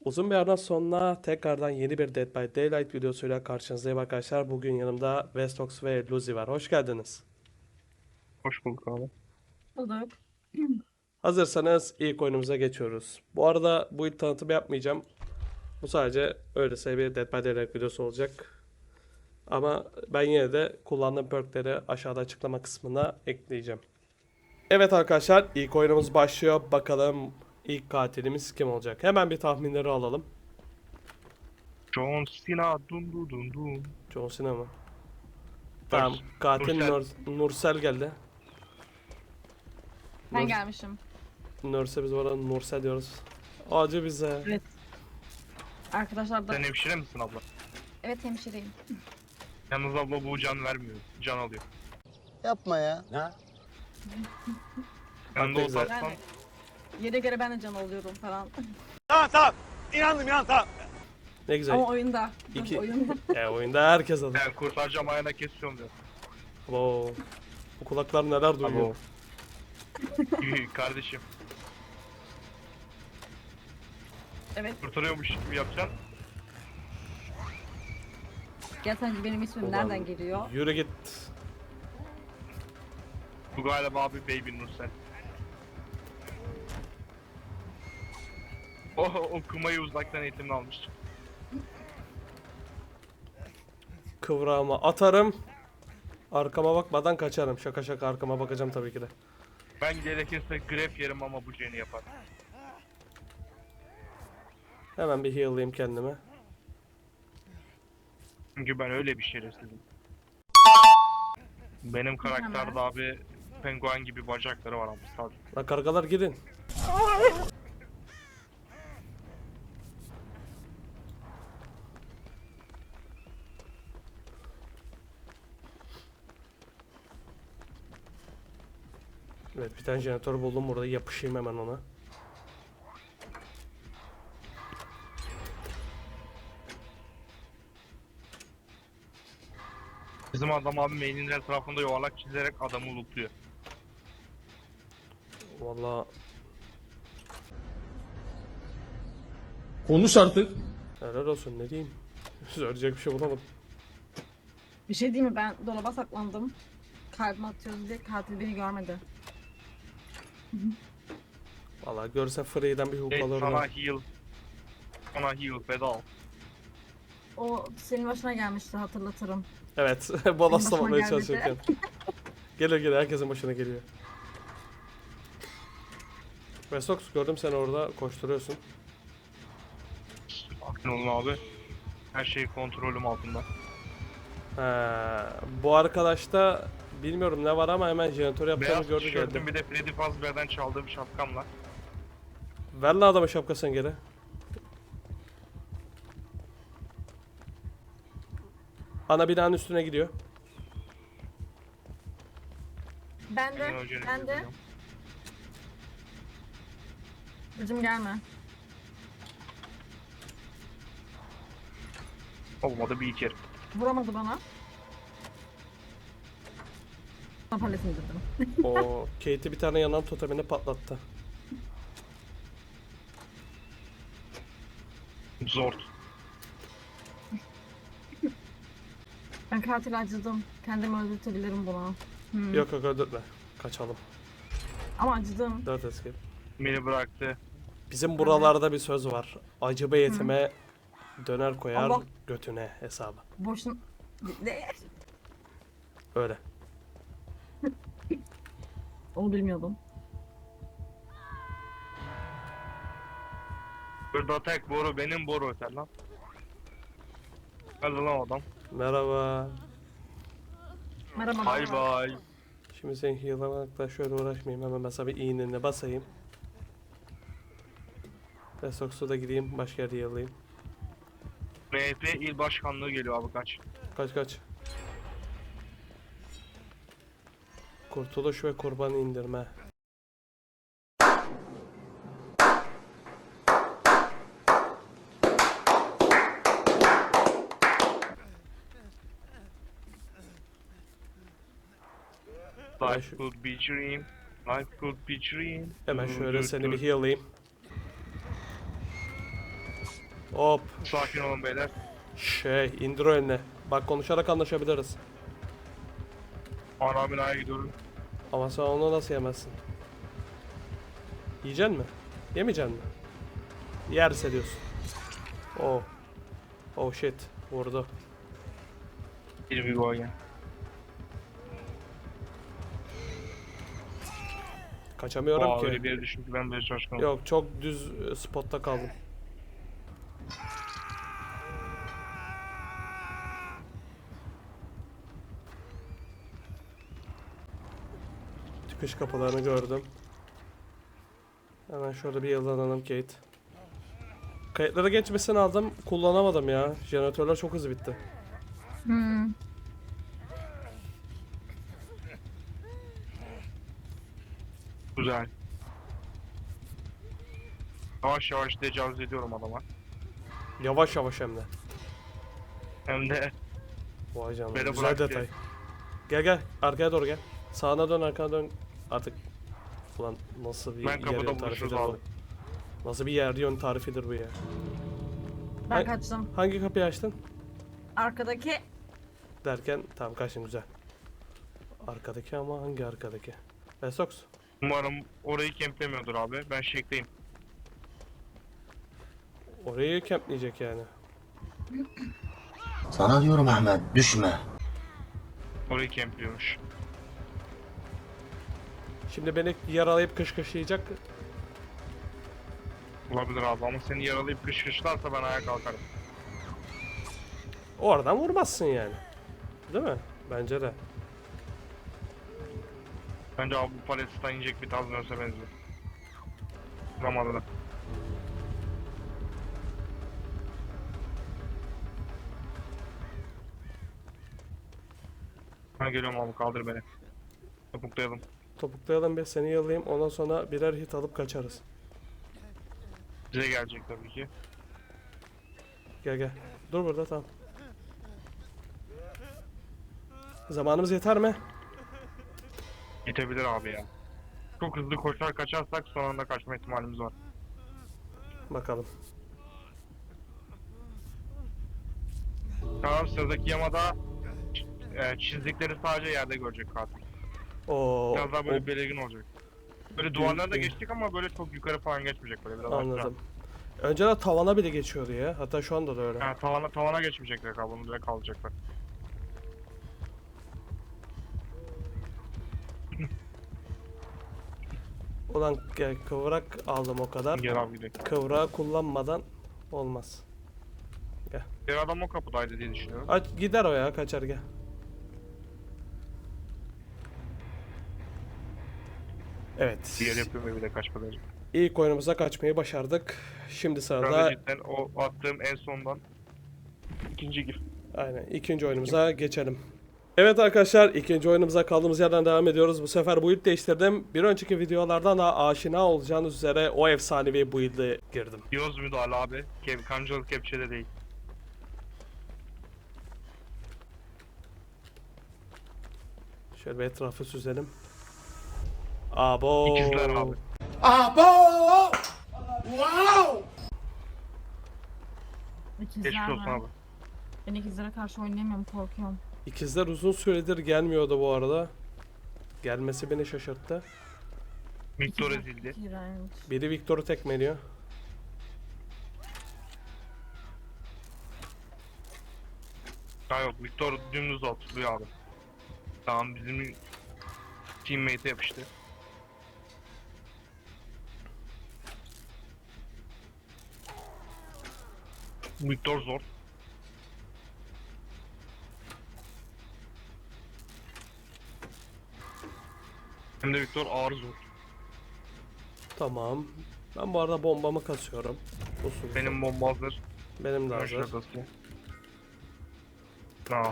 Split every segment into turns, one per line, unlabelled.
Uzun bir aradan sonra tekrardan yeni bir Dead by Daylight videosuyla karşınızdayım arkadaşlar. Bugün yanımda Vestox ve Luzi var. Hoş geldiniz.
Hoş bulduk abi.
Bulduk.
Hazırsanız ilk oyunumuza geçiyoruz. Bu arada bu ilk tanıtımı yapmayacağım. Bu sadece öylesine bir Dead by Daylight videosu olacak. Ama ben yine de kullandığım perkleri aşağıda açıklama kısmına ekleyeceğim. Evet arkadaşlar, ilk oyunumuz başlıyor. Bakalım ilk katilimiz kim olacak? Hemen bir tahminleri alalım.
John Cena dun dun dun dun.
John Cena mı? Tamam, katil
Nursel.
Nursel geldi.
Ben
Nur,
gelmişim.
Nurse biz orada Nursel diyoruz. Acı bize.
Evet. Arkadaşlar da...
Sen hemşire misin abla?
Evet, hemşireyim.
Yalnız abla bu can vermiyor. Can alıyor.
Yapma ya.
Yanında
ne güzel.
olsaysan
Yani yere göre ben de can oluyorum falan.
Ne güzel.
Ama oyunda.
İki-
Oyunda.
Oyunda herkes alır.
ben kurtaracağım ayağına kesiyorum diyor.
Oo. Bu kulaklar neler duyuyor.
Kardeşim
Evet.
kurtarıyormuş gibi yapacaksın.
Gel sence benim ismim
Ulan,
nereden geliyor?
Yürü git.
Bu galiba abi Baby Nursel. O kumayı uzaktan eğitimini almış.
Kıvrağıma atarım. Arkama bakmadan kaçarım. Şaka şaka arkama bakacağım tabii ki de.
Ben gerekirse grep yerim ama bu Jen'i yapar.
Hemen bir heal'layayım kendimi.
Çünkü ben öyle bir şerefsizim. Benim karakterde abi penguen gibi bacakları var abi sadece.
Lan kargalar gidin. Evet, bir tane jeneratör buldum burada, yapışayım hemen ona.
Bizim adam abi mailin her tarafında yuvarlak çizerek adamı lootluyor.
Vallahi
Konuş artık.
helal olsun, ne diyeyim. Söyleyecek bir şey bulamadım.
Bir şey diyeyim mi? Ben dolaba saklandım. Kalbime atıyoruz diye katil beni görmedi.
Vallahi görse Free'den bir hook
Hey,
alırdım.
sana heal pedal.
O senin başına gelmişti, hatırlatırım.
Evet,
Benim
balaslamamayı
başıma gelmedi.
çalışırken. Gelir gelir, herkesin başına geliyor. Vestox, gördüm seni orada koşturuyorsun.
Aklın olun abi. Her şey kontrolüm altında.
Bu arkadaşta bilmiyorum ne var ama hemen jeneratör yaptığını
Beyaz
gördü geldi.
tişörtüm bir de Freddy Fazbear'den çaldığım şapkamla.
Ver lan adamın şapkasını geri. Ana binanın üstüne gidiyor.
Ben de.
Benim önce
Ben de. Kızım gelme.
Olmadı bir kere.
Vuramadı bana. Paletini indirdim.
O Kate'i bir tane yanan totemini patlattı.
Zor.
Ben katil acıdım. Kendimi öldürtebilirim buna.
Yok yok, öldürme. Kaçalım.
Ama acıdım.
4 escape.
Beni bıraktı.
Bizim buralarda bir söz var. Acı be yetime döner koyar
Allah.
götüne hesabı.
Boşun... Ne?
Öyle.
Onu bilmiyordum.
Burada tek boru benim boru öter lan. Hadi lan adam.
Merhaba.
Merhaba.
Bay
merhaba.
bay.
Şimdi sen heal'lamakla şöyle uğraşmayayım. Hemen mesela bir iğneni basayım. Vestox'a da gideyim. Başka yerde heal'layayım.
MHP il başkanlığı geliyor abi kaç.
Kaç kaç. Kurtuluş ve kurban indirme.
Life could be dream. Life could be dream.
Hemen şöyle seni bir heal'layayım. Hop.
Sakin olun beyler.
İndir o eline. Bak konuşarak anlaşabiliriz.
Ana binaya gidiyorum.
Ama sen onu nasıl yemezsin? Yiyeceksin mi? Yemeyeceksin mi? Yerse diyorsun. Oh. Oh shit. Vurdu.
Bir gol ya.
Kaçamıyorum
Aa,
ki.
öyle bir yere düştüm ki ben böyle şaşkınım.
Yok çok düz spotta kaldım. Çıkış kapılarını gördüm. Hemen şurada bir yıllanalım Kate. Kayıtlara geçmesini aldım. Kullanamadım ya. Jeneratörler çok hızlı bitti.
Hmm.
Güzel. Yavaş yavaş tecavüz ediyorum adama.
Yavaş yavaş hem de.
Hem de
Vay canına.
Beni
Güzel
bırak
detay.
ya.
Gel gel. Arkaya doğru gel. Sağına dön arkana dön. Artık. Ulan nasıl bir
ben
yer
kapıda
yön
buluşuruz
tarifidir bu?
abi.
Nasıl bir yer yön tarifidir bu ya?
Ben
Ay-
kaçtım.
Hangi kapıyı açtın?
Arkadaki
Derken tamam kaçtın güzel. Arkadaki ama hangi arkadaki? Vesox.
Umarım orayı kemplemiyordur abi. Ben şekleyim.
Orayı kempleyecek yani.
Sana diyorum Ahmet düşme.
Orayı kempliyormuş.
Şimdi beni yaralayıp kışkışlayacak.
Olabilir abi ama seni yaralayıp kışkırtlarsa ben ayağa kalkarım.
Oradan vurmazsın yani. Değil mi? Bence de.
Bence abi bu Palestina inecek bir tarz dönse benziyor. Zamanında. Ben geliyorum abi kaldır beni. Topuklayalım.
Topuklayalım bir seni yalayayım. Ondan sonra birer hit alıp kaçarız.
Bize gelecek tabii ki.
Gel gel. Dur burada tamam. Zamanımız yeter mi?
Yetebilir abi ya. Çok hızlı koşar kaçarsak son anda kaçma ihtimalimiz var.
Bakalım.
Tamam sıradaki yamada çizdikleri sadece yerde görecek katil.
Oo,
Biraz daha böyle
o-
belirgin olacak. Böyle duvarlarda geçtik ama böyle çok yukarı falan geçmeyecek böyle biraz aşağı.
anladım. Önceden tavana bile geçiyordu ya. Hatta şu anda da öyle.
Ha, tavana geçmeyecekler kablonun direkt kalacaklar.
Ulan gel, kıvrak aldım o kadar.
Gel abi gidelim.
Kıvrağı kullanmadan olmaz.
Bir adam o kapıdaydı diye düşünüyorum.
Aç gider o ya kaçar gel. Evet.
Diğer yapıyorum bir de kaçmadan önce.
İlk oyunumuza kaçmayı başardık. Şimdi
Ben de
sırada
cidden o attığım en sondan ikinci gir.
aynen ikinci oyunumuza geçelim. Evet arkadaşlar ikinci oyunumuza kaldığımız yerden devam ediyoruz. Bu sefer build değiştirdim. Bir önceki videolardan da aşina olacağınız üzere o efsanevi build'e girdim.
Yoz müdahale abi. Kancalı kepçede değil.
Şöyle bir etrafı süzelim. Abo.
İkizler abi.
ikizler
Geçmiş olsun
mi?
abi.
Ben ikizlere karşı oynayamıyorum, korkuyorum.
İkizler uzun süredir gelmiyordu bu arada. Gelmesi beni şaşırttı.
Victor
İkizler
ezildi.
çok iğrenç.
Biri Victor'u tekmeliyor.
Ha yok Victor dümdüz atılıyor abi. Tamam bizim teammate'e yapıştı. Victor zor. Hem de Victor ağır zor.
Tamam. Ben bu arada bombamı kasıyorum. Usul.
Benim bomba hazır.
Benim de
Ben
hazır.
şurada basayım. Tamam.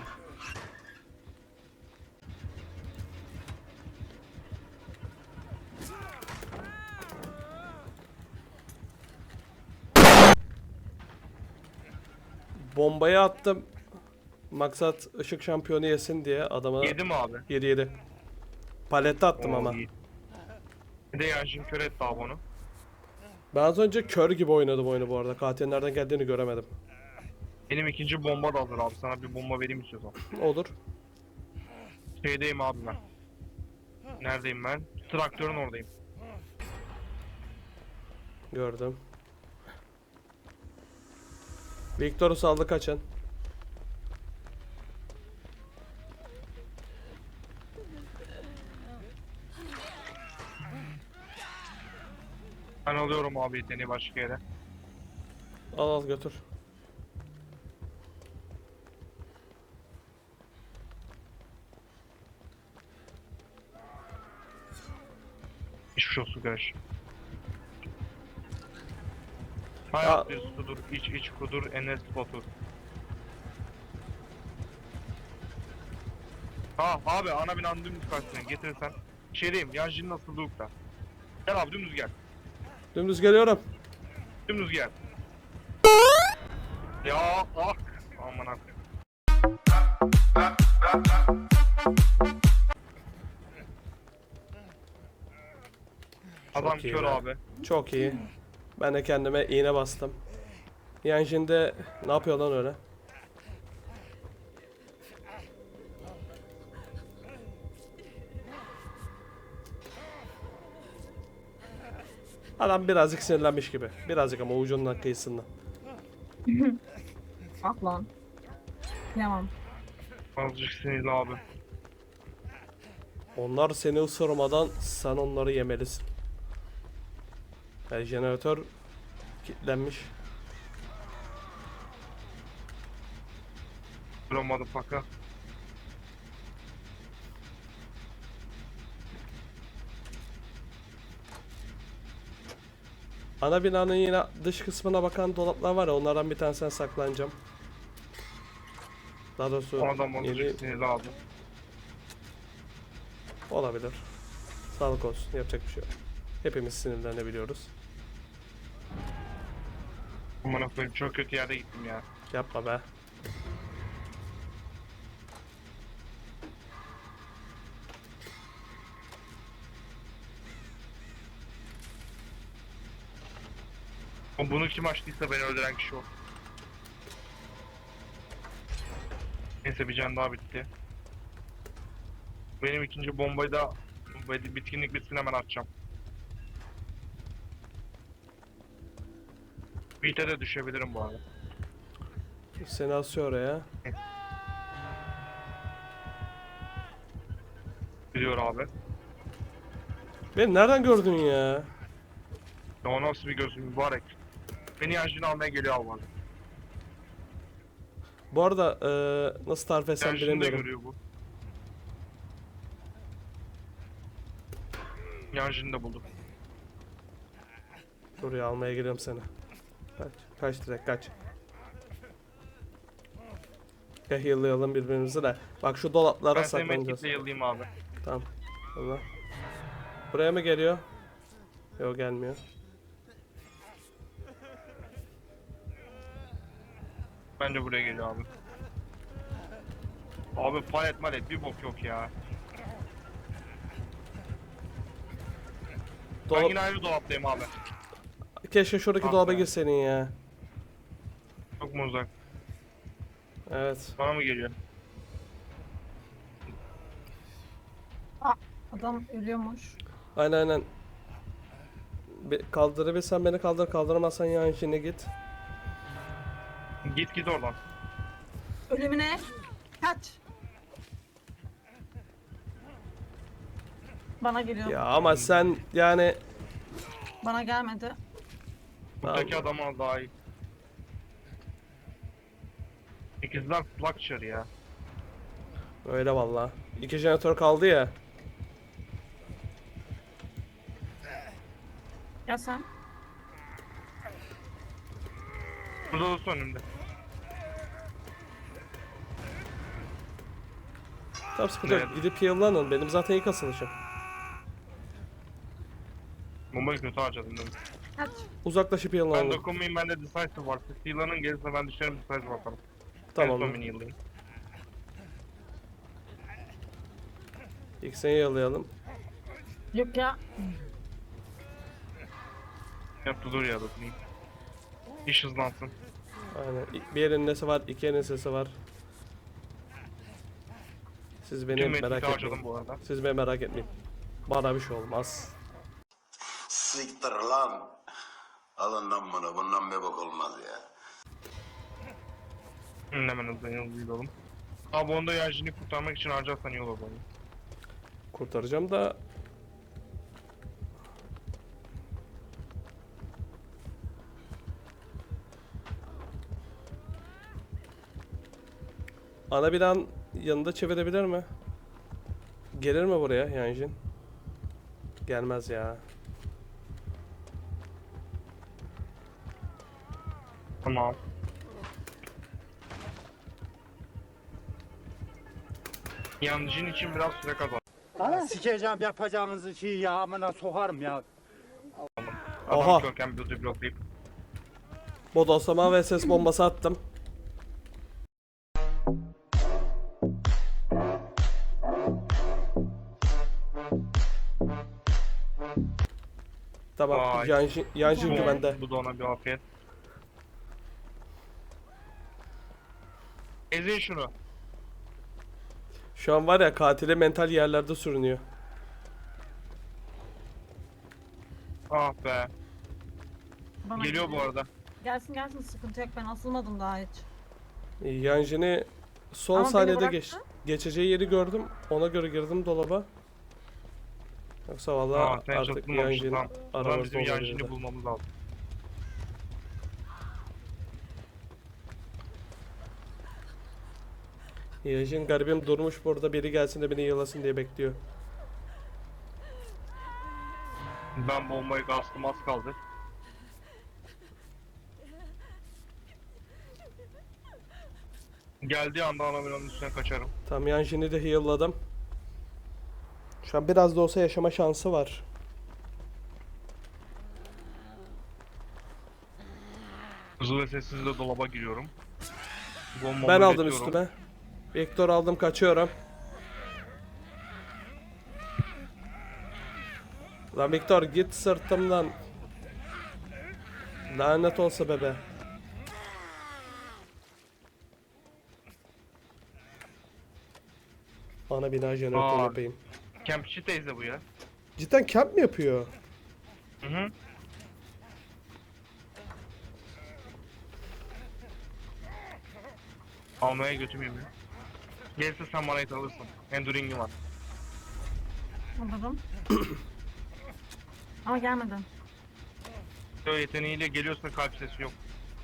Bombayı attım. Maksat ışık şampiyonu yesin diye adama
Yedi mi abi?
7-7. Palette attım
Oo,
ama.
iyi. Bir de Yanjin kör etti abi onu.
Ben az önce kör gibi oynadım oyunu bu arada. Katilin nereden geldiğini göremedim.
Benim ikinci bomba da hazır abi. Sana bir bomba vereyim istiyorsan.
Olur.
Şeydeyim abi ben. Neredeyim ben? Traktörün oradayım.
Gördüm. Victor'u saldı, kaçın.
Ben alıyorum abi yeteneği başka yere.
Al al götür.
Hiçbir şey olsun kardeş. Hayat bir sudur, iç kudur, enes batur. Ha abi ana binanın dümdüz karşısına getirirsen. Şeydeyim, Yanjin'in asıldığında. Gel abi dümdüz gel.
Dümdüz geliyorum.
Dümdüz gel. Ya ah. Aman abi. Adam
Çok iyi
kör
be.
abi.
Çok iyi. Ben de kendime iğne bastım. Yani şimdi ne yapıyor lan öyle? Adam birazcık sinirlenmiş gibi. Birazcık ama ucundan kıyısından.
Ah lan. Yamam.
Azıcık sinirli abi.
Onlar seni ısırmadan sen onları yemelisin. Yani jeneratör kilitlenmiş.
Duramadı paka.
Ana binanın yine dış kısmına bakan dolaplar var ya, onlardan bir tanesine saklanacağım. Daha doğrusu
O adam
yeni
azıcık sinirli abi.
olabilir. Sağlık olsun, yapacak bir şey yok. Hepimiz sinirlenebiliyoruz.
Aman koyayım çok kötü yerde gittim ya.
Yapma be.
Ama bunu kim açtıysa beni öldüren kişi o. Neyse bir can daha bitti. Benim ikinci bombayı da bitkinlik bitsin hemen atacağım. Beat'e de düşebilirim bu arada.
Seni asıyor oraya.
Biliyor abi.
Beni nereden gördün ya?
Ya o nasıl bir gözüm mübarek. Beni yancını almaya geliyor abi.
Bu arada nasıl tarif etsem
Yancını da
bilemiyorum.
görüyor bu. Yancını da buldum.
Dur ya, almaya geliyorum seni. Kaç. Kaç direkt kaç. Ya heal'layalım birbirimizi de. Bak şu dolaplara
Ben seni
saklanacağız.
medkitle yıllayayım abi.
Tamam. Allah. Buraya mı geliyor? Yok, gelmiyor.
Bence buraya geliyor abi. Abi palet malet bir bok yok ya. Ben
Dolap...
yine aynı dolaptayım abi.
Keşke şuradaki
Ah
dolaba
be.
girseydin ya.
Çok mu uzak?
Evet.
Bana mı geliyor?
Adam ölüyormuş.
Aynen aynen. Kaldırabilirsen beni kaldır, kaldıramazsan yan içine git.
Git oradan.
Ölümüne kaç. Bana geliyor.
Ya ama sen yani...
Bana gelmedi.
Buradaki
Tamam.
adam az daha iyi. İkizler Flucture ya.
Öyle valla. 2 jeneratör kaldı ya.
Ya sen?
Burada olsun önümde.
Tamam, sıkıntı yok.
Evet.
Gidip heal'lanın. Benim zaten ilk asılışım.
Bombayı kötü harcadım değil mi?
Kaç.
Uzaklaşıp
Ben
heal'lanın.
dokunmayayım bende decisive var. Siz heal'lanın gelirse ben düşerim decisive bakalım.
Tamam.
En son beni heal'layın.
İlk seni heal'layalım.
Yok ya.
Yaptı dur ya dokunayım. İş hızlansın.
Aynen. Bir yerin nesi var, iki yerin sesi var. Siz beni
Tüm
merak
metrik'i harcadım
etmeyin.
bu arada.
Siz beni merak etmeyin. Bana bir şey olmaz.
Siktir lan. Alın lan bunu. Bundan bir bak olmaz ya.
Hemen hızlı olalım. Abi onu da enerjini kurtarmak için harcarsan iyi olur bana.
Kurtaracağım da ana binanın yanında çevirebilir mi? Gelir mi buraya Yanjin? Gelmez ya.
Tamam. Yancın için biraz süre kazan.
Sikeceğim yapacağınızı şey ya amına sokarım ya.
Aha.
Adam körken bir bloklayıp.
Bodoslama ve ses bombası attım. Tamam.
Vay.
Yanjin güvende.
Bu da ona bir afiyet. Ezin şunu.
Şu an var ya katili mental yerlerde sürünüyor.
Ah be.
Bana
Geliyor bu arada.
Gelsin gelsin, sıkıntı yok, ben asılmadım daha hiç.
Yanjin'i son
Ama beni
saniyede
bıraktı.
geçeceği yeri gördüm. Ona göre girdim dolaba. Yoksa vallahi
Sen
artık
çatılmamışsın
Yanjin
tamam. O zaman
aramızda
bizim
olabilirdi.
yancını bulmamız lazım.
Yanjin garibim durmuş burada, biri gelsin de beni yılasın diye bekliyor.
Ben bombayı bastım, az kaldı. Geldiği anda anaminanın üstüne kaçarım.
Tamam, Yanjin'i de heal'ladım. Şu an biraz da olsa yaşama şansı var.
Hızlı ve sessiz de dolaba giriyorum. Bombamı
Ben aldım
üretiyorum.
üstüme. Vektör aldım, kaçıyorum. Lan Viktor git sırtımdan. Lanet olsa bebe. Ana bina jeneratörü
Aa.
yapayım.
Kempçi teyze bu ya.
Cidden kamp mı yapıyor?
Hı hı. Almaya götürmeyeyim ya. Gelirse sen bana it alırsın. Enduring'im var.
Alırım. Ama gelmedi.
Böyle yeteneğiyle geliyorsun, kalp sesi yok.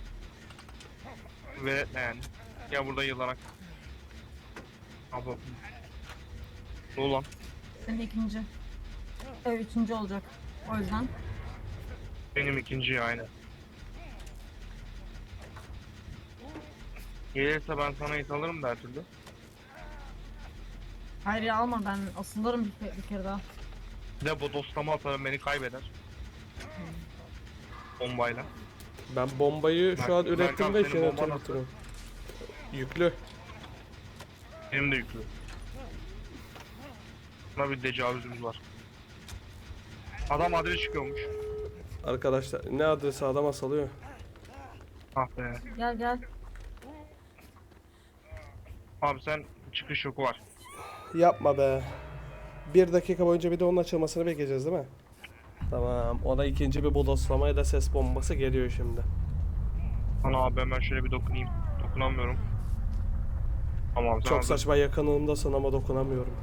Veretme yani. Ya burada yılarak. Abla. Ne ulan?
Senin ikinci. Üçüncü olacak. O yüzden.
Benim ikinci ya aynı. Gelirse ben sana it alırım da her türlü.
Hayır ya, alma, ben asılırım bir kere daha.
Bir de bodoslama atarım, beni kaybeder. Bombayla.
Ben bombayı şu an
Berkan,
ürettim ve
senin
jeneratör
bomban nasıl?
bitiriyorum. Yüklü.
Benim de yüklü. Buna bir tecavüzümüz var. Adam adres çıkıyormuş.
Arkadaşlar ne adresi, adam asalıyor.
Ah be.
Gel gel.
Abi sen çıkış yoku var.
Yapma be. 1 dakika boyunca bir de onun açılmasını bekleyeceğiz değil mi? Tamam. Ona ikinci bir bodoslamaya ses bombası geliyor şimdi.
Ana abi hemen şöyle bir dokunayım. Dokunamıyorum. Tamam.
Çok saçma yakınındasın ama dokunamıyorum.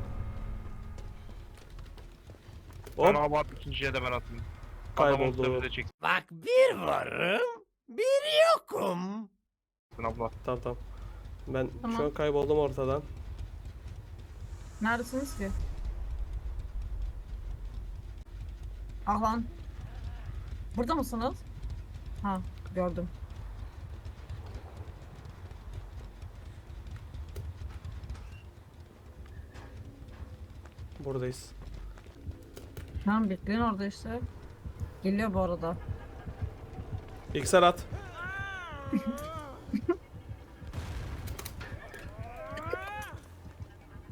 Hop,
Ana abi at, ikinciye de ben atayım.
kayboldu.
Adam bize çeksin
Bak bir varım, bir yokum.
abla.
Tamam tamam. Ben
Tamam.
şu an kayboldum ortadan.
Neredesiniz ki? Ah lan. Burada mısınız? Ha, gördüm.
Buradayız.
Tamam, bekleyin orada işte. Geliyor bu arada.
İksel at.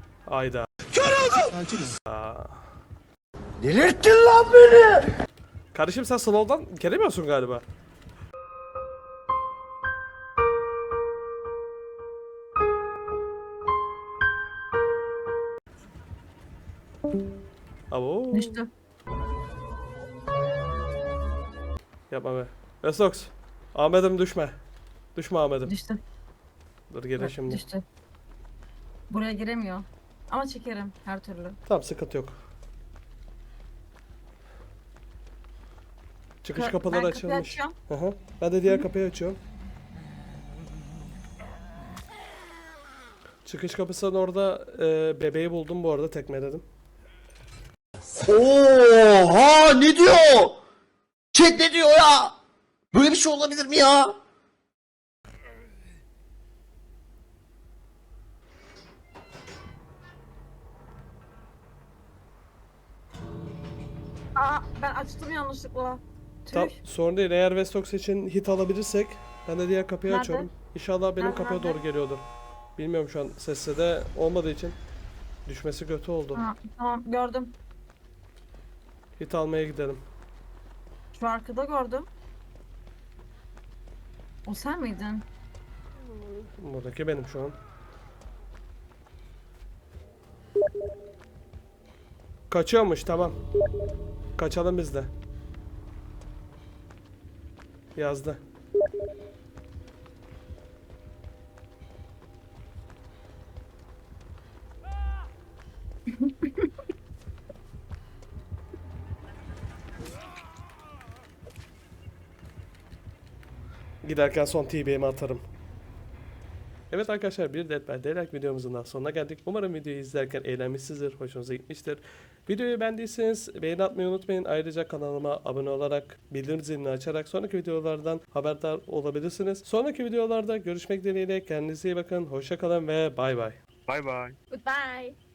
Ayda.
Delirttin lan beni.
Kardeşim sen slow'dan gelemiyorsun galiba. Abo.
Düştü.
Yapma be. Vestox. Ahmet'im düşme. Düşme Ahmet'im.
Düştü.
Dur gelin şimdi.
Düştü. Buraya giremiyor. Ama çekerim her türlü.
Tamam sıkıntı yok. Çıkış
Ben
kapıları
kapıyı
açılmış.
açıyorum.
Hı hı. Ben de diğer kapıyı açıyorum. Çıkış kapısının orada bebeği buldum bu arada tekmeledim.
Oha ne diyor? Chat ne diyor ya? Böyle bir şey olabilir mi ya?
Aa ben açtım yanlışlıkla. Tüh.
Tamam sorun değil. Eğer Vestox için hit alabilirsek ben de diğer kapıyı
Nerede?
açıyorum. İnşallah benim
Nerede,
kapıya
nerede?
doğru geliyordur. Bilmiyorum şu an sesse de olmadığı için düşmesi kötü oldu.
Ha, tamam gördüm.
Hit almaya gidelim.
Şu arkada gördüm. O sen miydin?
Buradaki benim şu an. Kaçıyormuş tamam. Kaçalım biz de. Yazdı. Giderken son TB'mi atarım. Evet arkadaşlar bir Dead by Daylight videomuzun daha sonuna geldik. Umarım videoyu izlerken eğlenmişsinizdir, hoşunuza gitmiştir. Videoyu beğendiyseniz beğeni atmayı unutmayın. Ayrıca kanalıma abone olarak bildirim zilini açarak sonraki videolardan haberdar olabilirsiniz. Sonraki videolarda görüşmek dileğiyle kendinize iyi bakın, hoşça kalın ve bay bay.
Bay bay.
Goodbye.